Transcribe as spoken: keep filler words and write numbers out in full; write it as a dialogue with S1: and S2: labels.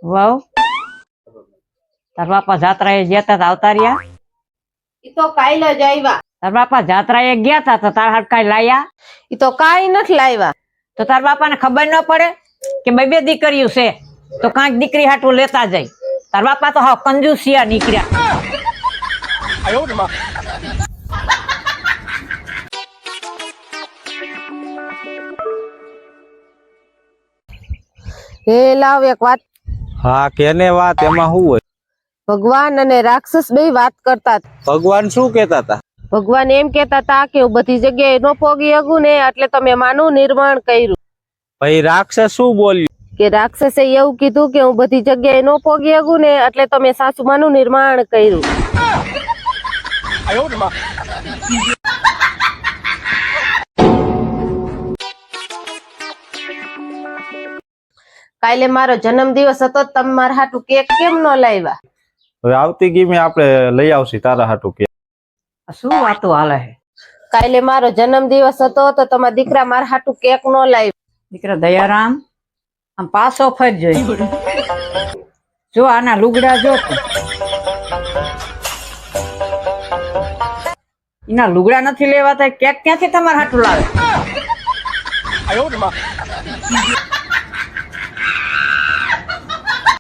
S1: વાવ તાર બાપા જાત્રા એ ગયા તા તો આવતા રહ્યા?
S2: ઈ તો કાલ જ આવ્યા.
S1: તાર બાપા જાત્રા એ ગયા તા તો તાર હાથ કાઈ લાયા?
S2: ઈ તો કાઈ નથી લાવ્યા.
S1: તો તાર બાપા ને ખબર ન પડે કે બે બે દીકરીઓ છે તો કાંઈક દીકરી હાટું લેતા જાય. તાર બાપા તો હા કંજૂસિયા નીકળ્યા.
S2: હે લાવ એક વાત.
S3: હા કેને વાત? એમાં શું હોય?
S2: ભગવાન અને રાક્ષસ બે વાત કરતા હતા.
S3: ભગવાન શું કેતા હતા?
S2: ભગવાન એમ કેતા હતા કે હું બધી જગ્યાએ ન પોગી શકું ને એટલે તમે માનું નિર્માણ કર્યું.
S3: ભાઈ રાક્ષસ શું બોલ્યું?
S2: કે રાક્ષસે એવું કીધું કે હું બધી જગ્યાએ ન પોગી શકું ને એટલે તમે સાસુમાનું નિર્માણ કર્યું. કાલે મારો જન્મદિવસ હતો, તમે મારા હાટુ કેક કેમ ન લાવ્યા?
S3: હવે આવતી ગીમે આપણે લઈ આવશી તારા હાટુ કે.
S1: શું વાતો હાલે છે?
S2: કાલે મારો જન્મદિવસ હતો તો તમારા દીકરા મારા હાટુ કેક ન લાવ્યા.
S1: દીકરા દયારામ આમ પાછો ફરજો. જો આના લુગડા જો એના લુગડા નથી લેવાતા, કેક ક્યાંથી તમારા હાટું લાવે?